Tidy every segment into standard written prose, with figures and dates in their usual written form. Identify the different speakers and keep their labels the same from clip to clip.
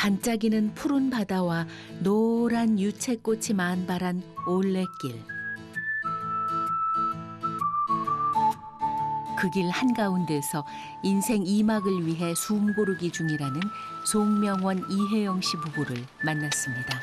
Speaker 1: 반짝이는 푸른 바다와 노란 유채꽃이 만발한 올레길. 그 길 한가운데서 인생 2막을 위해 숨 고르기 중이라는 송명원 이혜영 씨 부부를 만났습니다.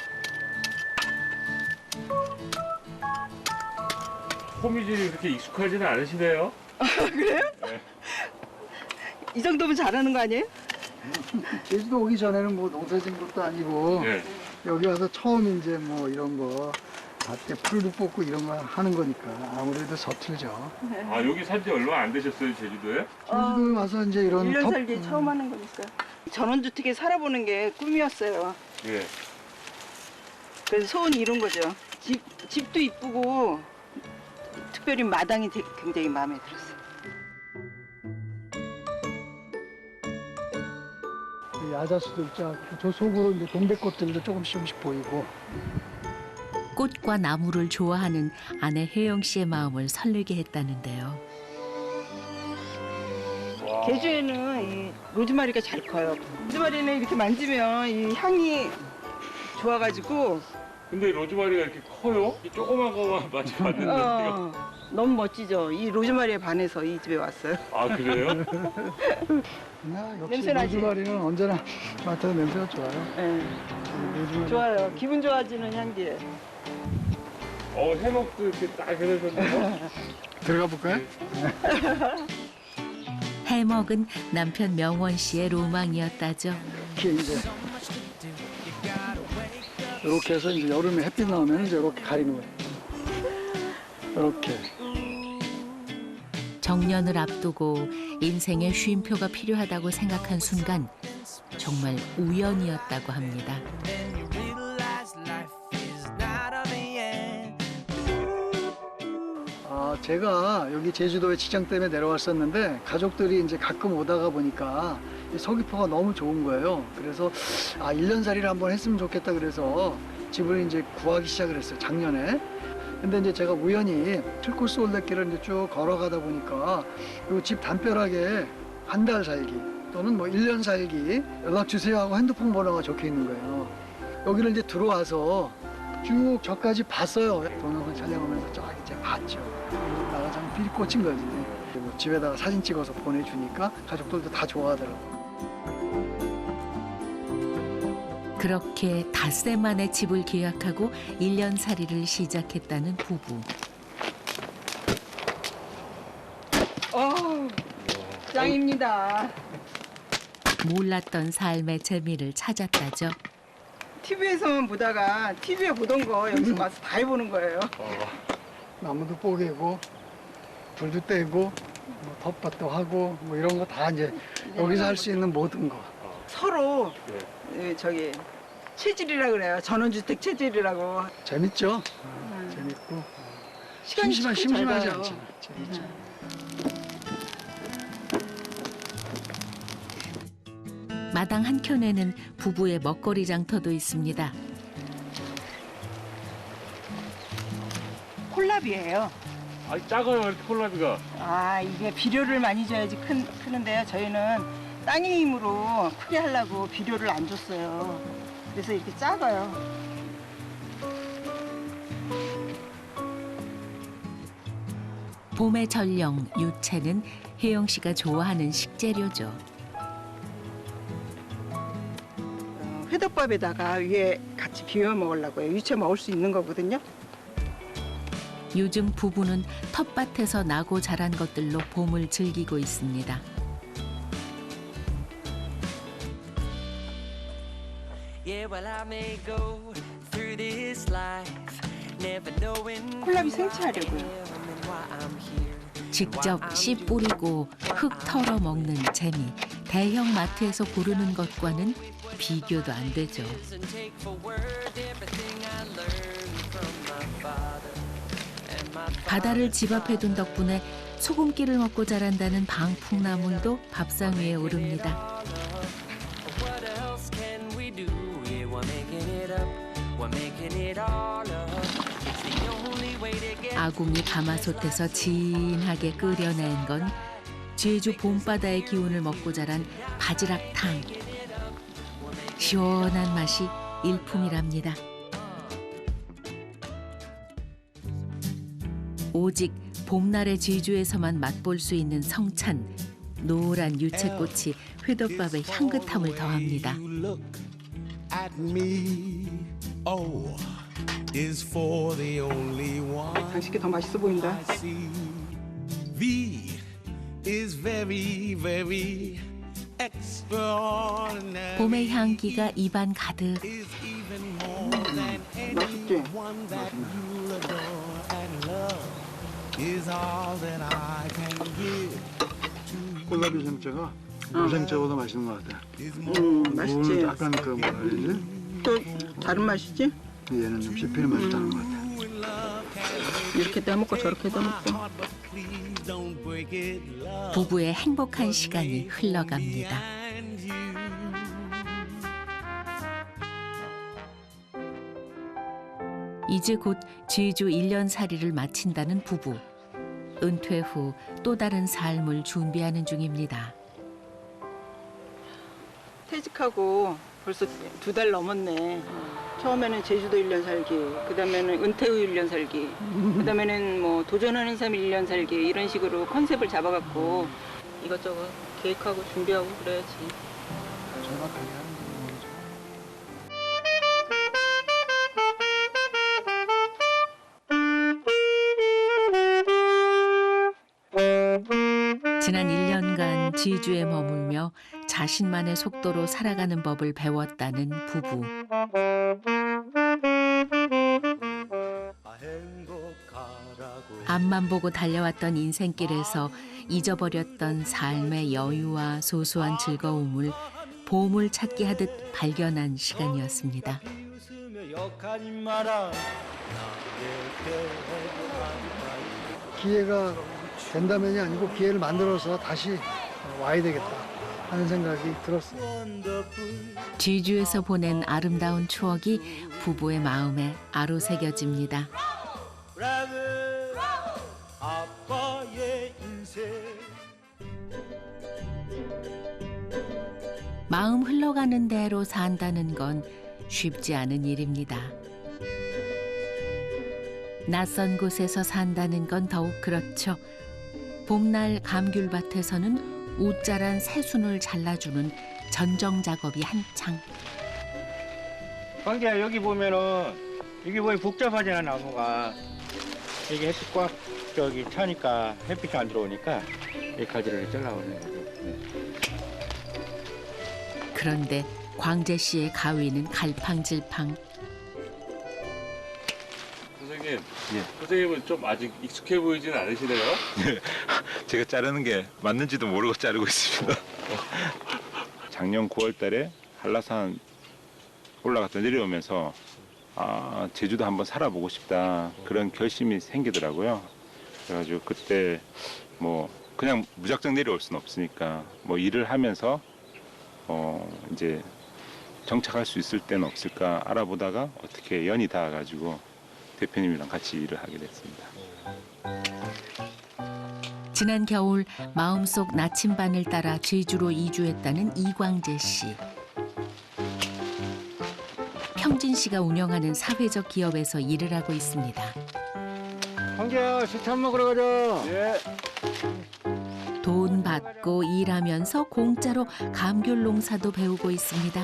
Speaker 2: 호미질이 그렇게 익숙하지는 않으시네요.
Speaker 3: 아, 그래요?
Speaker 2: 네.
Speaker 3: 이 정도면 잘하는 거 아니에요?
Speaker 4: 제주도 오기 전에는 뭐 농사 지은 것도 아니고
Speaker 2: 네.
Speaker 4: 여기 와서 처음 이제 뭐 이런 거 밭에 풀도 뽑고 이런 거 하는 거니까 아무래도 서툴죠.
Speaker 2: 아, 여기 산지 얼마 안 되셨어요, 제주도에?
Speaker 4: 제주도에 와서 이제 이런
Speaker 3: 1년 살기 처음 하는 거니까. 전원주택에 살아보는 게 꿈이었어요.
Speaker 2: 예.
Speaker 3: 그래서 소원이 이룬 거죠. 집도 이쁘고 특별히 마당이 굉장히 마음에 들었어요.
Speaker 4: 야자수도 있죠. 저 속으로 이제 동백꽃들도 조금씩 보이고.
Speaker 1: 꽃과 나무를 좋아하는 아내 혜영 씨의 마음을 설레게 했다는데요.
Speaker 2: 와.
Speaker 3: 제주에는 이 로즈마리가 잘 커요. 로즈마리는 이렇게 만지면 이 향이 좋아가지고
Speaker 2: 근데 로즈마리가 이렇게 커요? 이 조그만 거만 마치 봤는데.
Speaker 3: 너무 멋지죠. 이 로즈마리에 반해서 이 집에 왔어요.
Speaker 2: 아, 그래요?
Speaker 4: 역시
Speaker 3: 냄새나지?
Speaker 4: 로즈마리는 언제나 맡아도 냄새가 좋아요.
Speaker 3: 네.
Speaker 4: 로즈마리.
Speaker 3: 좋아요. 기분 좋아지는 향기에.
Speaker 2: 해먹도 이렇게 딱 해놓으셨네요.
Speaker 4: 들어가 볼까요?
Speaker 1: 해먹은 남편 명원 씨의 로망이었다죠.
Speaker 4: 이렇게 이제 이렇게 해서 이제 여름에 햇빛 나오면 이제 이렇게 가리는 거예요. 이렇게.
Speaker 1: 정년을 앞두고 인생의 쉼표가 필요하다고 생각한 순간 정말 우연이었다고 합니다.
Speaker 4: 제가 여기 제주도에 직장 때문에 내려왔었는데 가족들이 이제 가끔 오다가 보니까 이 서귀포가 너무 좋은 거예요. 그래서 1년살이를 한번 했으면 좋겠다 그래서 집을 이제 구하기 시작을 했어요, 작년에. 근데 이제 제가 우연히 틀코스 올레길을 이제 쭉 걸어가다 보니까 이 집 담벼락에 한 달 살기 또는 뭐 1년 살기 연락 주세요 하고 핸드폰 번호가 적혀 있는 거예요. 여기를 이제 들어와서 쭉 저까지 봤어요. 동영상 촬영하면서 쫙 이제 봤죠. 나가 참 필이 꽂힌 거지. 그리고 집에다가 사진 찍어서 보내주니까 가족들도 다 좋아하더라고요.
Speaker 1: 그렇게 닷새 만에 집을 계약하고 1년살이를 시작했다는 부부.
Speaker 3: 짱입니다.
Speaker 1: 몰랐던 삶의 재미를 찾았다죠.
Speaker 3: TV에서만 보다가 TV에 보던 거 여기서 와서 다 해보는 거예요.
Speaker 4: 나무도 뽀개고 불도 떼고 뭐 텃밭도 하고 뭐 이런 거 다 이제 여기서 할 수 있는 모든 거.
Speaker 3: 서로 저기 체질이라 그래요. 전원주택 체질이라고.
Speaker 4: 재밌죠? 재밌고
Speaker 3: 시간이 참
Speaker 4: 심심하지
Speaker 3: 잘 가요.
Speaker 4: 않잖아. 재밌죠.
Speaker 1: 마당 한켠에는 부부의 먹거리 장터도 있습니다.
Speaker 3: 콜라비예요.
Speaker 2: 작아요, 이렇게 콜라비가.
Speaker 3: 이게 비료를 많이 줘야지 크는데요. 저희는 땅의 힘으로 크게 하려고 비료를 안 줬어요. 그래서 이렇게 작아요.
Speaker 1: 봄의 전령 유채는 혜영 씨가 좋아하는 식재료죠.
Speaker 3: 회덮밥에다가 위에 같이 비벼 먹으려고요. 유채 먹을 수 있는 거거든요.
Speaker 1: 요즘 부부는 텃밭에서 나고 자란 것들로 봄을 즐기고 있습니다.
Speaker 3: 콜라비 생채하려고요.
Speaker 1: 직접 씨 뿌리고 흙 털어 먹는 재미. 대형 마트에서 고르는 것과는 비교도 안 되죠. 바다를 집 앞에 둔 덕분에 소금기를 먹고 자란다는 방풍나물도 밥상 위에 오릅니다. 아궁이 가마솥에서 진하게 끓여낸 건 제주 봄바다의 기운을 먹고 자란 바지락탕. 시원한 맛이 일품이랍니다. 오직 봄날의 제주에서만 맛볼 수 있는 성찬, 노란 유채꽃이 회덮밥의 향긋함을 더합니다.
Speaker 3: 당신께 더 맛있어 보인다.
Speaker 1: 봄의 향기가 입안 가득.
Speaker 3: 맛있지?
Speaker 4: 콜라비 생채가 무생채보다 맛있는 것 같아.
Speaker 3: 맛있지.
Speaker 4: 약간 그 뭐라 그러지?
Speaker 3: 또 다른 맛이지?
Speaker 4: 얘는 좀 씹히는 맛이 나는 것 같아.
Speaker 3: 이렇게도 해먹고 저렇게도 해먹고.
Speaker 1: 부부의 행복한 시간이 흘러갑니다. 이제 곧 제주 1년살이를 마친다는 부부. 은퇴 후 또 다른 삶을 준비하는 중입니다.
Speaker 3: 퇴직하고 벌써 2달 넘었네. 처음에는 제주도 1년 살기, 그다음에는 은퇴 후 1년 살기, 그다음에는 뭐 도전하는 삶 1년 살기 이런 식으로 컨셉을 잡아갖고 이것저것 계획하고 준비하고 그래야지.
Speaker 4: 정확하게 하는 거죠.
Speaker 1: 지난 1년간 제주에 머물며 자신만의 속도로 살아가는 법을 배웠다는 부부. 앞만 보고 달려왔던 인생길에서 잊어버렸던 삶의 여유와 소소한 즐거움을 보물 찾기 하듯 발견한 시간이었습니다.
Speaker 4: 기회가 된다면이 아니고 기회를 만들어서 다시 와야 되겠다 하는 생각이 들었어요.
Speaker 1: 제주에서 보낸 아름다운 추억이 부부의 마음에 아로새겨집니다. 마음 흘러가는 대로 산다는 건 쉽지 않은 일입니다. 낯선 곳에서 산다는 건 더욱 그렇죠. 봄날 감귤밭에서는 웃자란 새순을 잘라주는 전정 작업이 한창.
Speaker 5: 광재야, 여기 보면은 이게 뭐 복잡하잖아, 나무가. 이게 햇빛 꽉 저기 차니까 햇빛이 안 들어오니까 이 가지를 잘라버리는 거죠. 네.
Speaker 1: 그런데 광재 씨의 가위는 갈팡질팡.
Speaker 2: 선생님, 선생님은 좀 아직 익숙해 보이진 않으시네요?
Speaker 6: 제가 자르는 게 맞는지도 모르고 자르고 있습니다. 작년 9월 달에 한라산 올라갔다 내려오면서 제주도 한번 살아보고 싶다 그런 결심이 생기더라고요. 그래가지고 그때 뭐 그냥 무작정 내려올 수는 없으니까 뭐 일을 하면서 이제 정착할 수 있을 때는 없을까 알아보다가 어떻게 연이 닿아가지고 대표님이랑 같이 일을 하게 됐습니다.
Speaker 1: 지난 겨울 마음속 나침반을 따라 제주로 이주했다는 이광재 씨. 평진 씨가 운영하는 사회적 기업에서 일을 하고 있습니다.
Speaker 5: 광재야, 식탐 먹으러 가자.
Speaker 2: 예.
Speaker 1: 돈 받고 일하면서 공짜로 감귤 농사도 배우고 있습니다.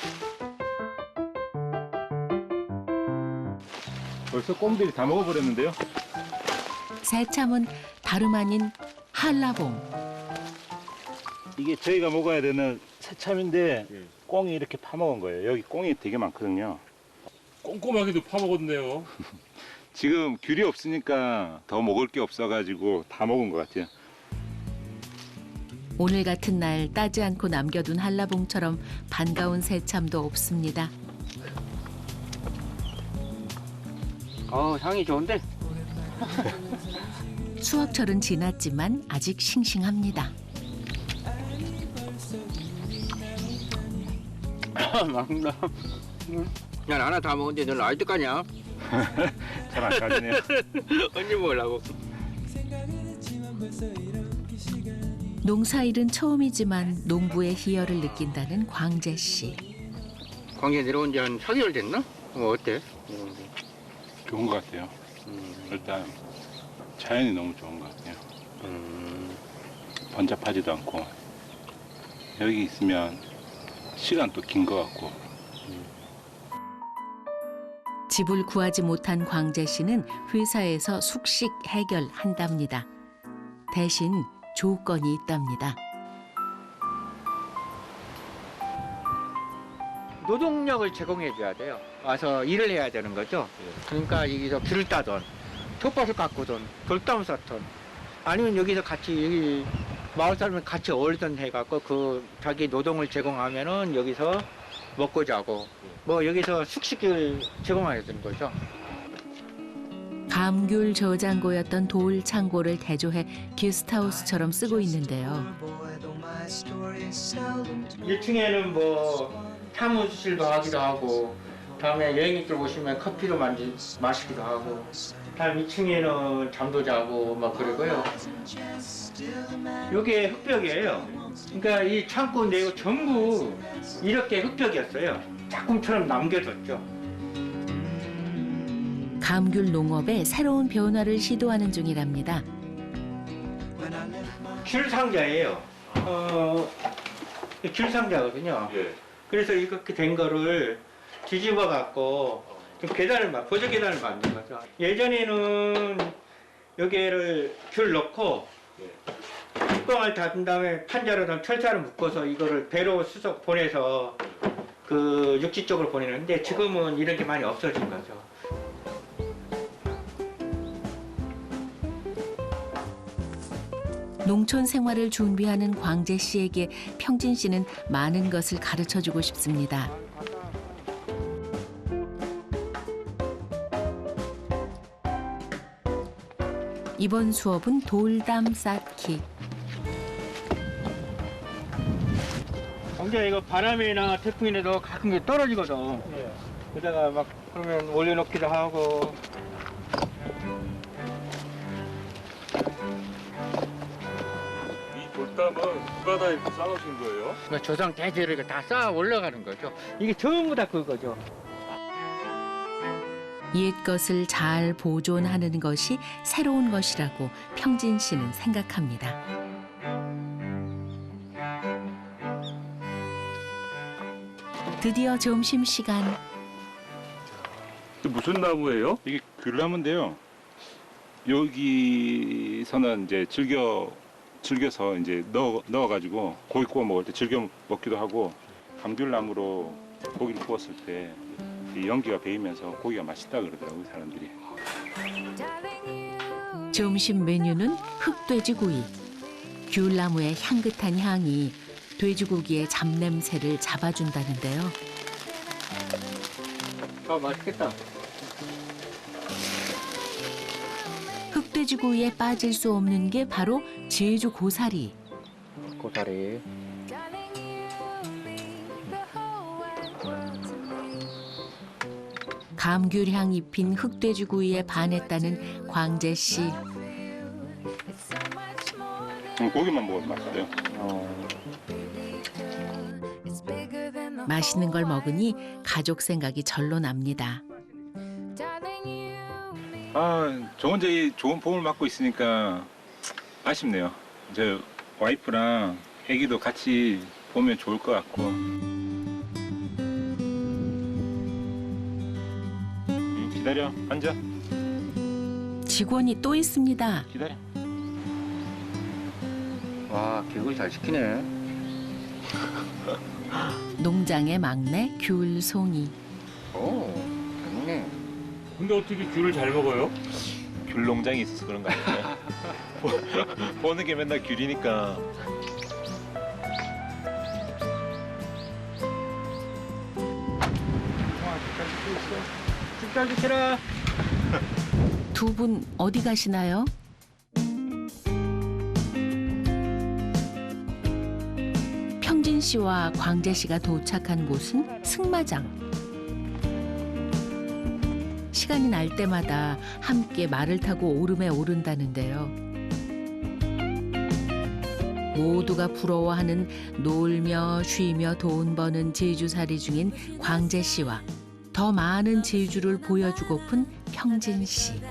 Speaker 6: 벌써 꽁들이 다 먹어버렸는데요.
Speaker 1: 새참은 다름 아닌 한라봉.
Speaker 6: 이게 저희가 먹어야 되는 새참인데 꽁이 이렇게 파먹은 거예요. 여기 꽁이 되게 많거든요.
Speaker 2: 꼼꼼하게도 파먹었네요.
Speaker 6: 지금 귤이 없으니까 더 먹을 게 없어가지고 다 먹은 것 같아요.
Speaker 1: 오늘 같은 날 따지 않고 남겨둔 한라봉처럼 반가운 새참도 없습니다.
Speaker 5: 향이 좋은데?
Speaker 1: 수확철은 지났지만 아직 싱싱합니다.
Speaker 5: 맛있다. 야, 하나 다 먹었는데 너 아직도 까냐?
Speaker 6: 잘 안 까지네요.
Speaker 5: 언제 먹으려고?
Speaker 1: 농사일은 처음이지만 농부의 희열을 느낀다는 광재 씨.
Speaker 5: 광주에 내려온 지 한 4개월 됐나? 어때?
Speaker 6: 좋은 것 같아요. 일단 자연이 너무 좋은 것 같아요. 번잡하지도 않고 여기 있으면 시간도 긴 것 같고.
Speaker 1: 집을 구하지 못한 광재 씨는 회사에서 숙식 해결한답니다. 대신 조건이 있답니다.
Speaker 5: 노동력을 제공해 줘야 돼요. 와서 일을 해야 되는 거죠. 그러니까 여기서 귤을 따던, 텃밭을 가꾸던, 돌담을 쌓던, 아니면 여기서 같이 여기 마을 사람이 같이 어울리던 해갖고 그 자기 노동을 제공하면은 여기서 먹고 자고 뭐 여기서 숙식을 제공하게 되는 거죠.
Speaker 1: 감귤 저장고였던 돌 창고를 대조해 게스트하우스처럼 쓰고 있는데요.
Speaker 5: 1층에는 뭐 사무실도 하기도 하고, 다음에 여행객들 오시면 커피도 마시기도 하고, 다음 2층에는 잠도 자고 막 그러고요. 이게 흙벽이에요. 그러니까 이 창고 내고 전부 이렇게 흙벽이었어요. 작품처럼 남겨뒀죠.
Speaker 1: 감귤 농업에 새로운 변화를 시도하는 중이랍니다.
Speaker 5: 귤 상자예요. 귤 상자거든요.
Speaker 2: 예.
Speaker 5: 그래서 이렇게 된 거를 뒤집어 갖고 보조 계단을 만든 거죠. 예전에는 여기를 귤 넣고 뚜껑을 닫은 다음에 판자로 철사를 묶어서 이거를 배로 수속 보내서 그 육지 쪽으로 보내는데 지금은 이런 게 많이 없어진 거죠.
Speaker 1: 농촌 생활을 준비하는 광재 씨에게 평진 씨는 많은 것을 가르쳐주고 싶습니다. 이번 수업은 돌담 쌓기.
Speaker 5: 광재 이거 바람이나 태풍이라도 가끔 떨어지거든. 그러다가 막 그러면 올려놓기도 하고.
Speaker 2: 이 돌담은 누가 다 이렇게 쌓아놓으신 거예요?
Speaker 5: 그러니까 조상 대대로 다 쌓아 올라가는 거죠. 이게 전부 다 그거죠.
Speaker 1: 옛 것을 잘 보존하는 것이 새로운 것이라고 평진 씨는 생각합니다. 드디어 점심시간.
Speaker 2: 이게 무슨 나무예요?
Speaker 6: 이게 귤나무인데요. 여기서는 이제 즐겨서 이제 넣어가지고 고기 구워 먹을 때 즐겨 먹기도 하고, 감귤나무로 고기를 구웠을 때 이 연기가 배이면서 고기가 맛있다 그러더라고요, 사람들이.
Speaker 1: 점심 메뉴는 흑돼지구이. 귤나무의 향긋한 향이 돼지고기의 잡냄새를 잡아준다는데요.
Speaker 5: 맛있겠다.
Speaker 1: 흑돼지구이에 빠질 수 없는 게 바로 제주 고사리.
Speaker 5: 고사리.
Speaker 1: 감귤향 입힌 흑돼지구이에 반했다는 광재 씨.
Speaker 6: 고기만 먹어도 맛있어요.
Speaker 1: 맛있는 걸 먹으니 가족 생각이 절로 납니다.
Speaker 6: 저 혼자 이 좋은 봄을 맞고 있으니까 아쉽네요. 저 와이프랑 애기도 같이 보면 좋을 것 같고. 기다려, 앉아.
Speaker 1: 직원이 또 있습니다.
Speaker 6: 기다려.
Speaker 5: 와, 교육을 잘 시키네.
Speaker 1: 농장의 막내 귤송이.
Speaker 5: 오, 좋네.
Speaker 2: 근데 어떻게 귤을 잘 먹어요?
Speaker 6: 귤 농장이 있어서 그런 거 아닐까요? 보는 게 맨날 귤이니까.
Speaker 5: 진짜 시켜라.
Speaker 1: 두 분 어디 가시나요? 평진 씨와 광재 씨가 도착한 곳은 승마장. 시간이 날 때마다 함께 말을 타고 오름에 오른다는데요. 모두가 부러워하는 놀며 쉬며 돈 버는 제주살이 중인 광재 씨와 더 많은 제주를 보여주고픈 평진 씨.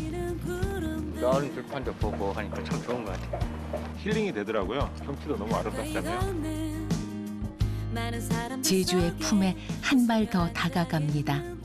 Speaker 5: 넓은 들판도 보고 하니까 참 좋은 것 같아요.
Speaker 6: 힐링이 되더라고요. 경치도 너무 아름답잖아요.
Speaker 1: 제주의 품에 한 발 더 다가갑니다.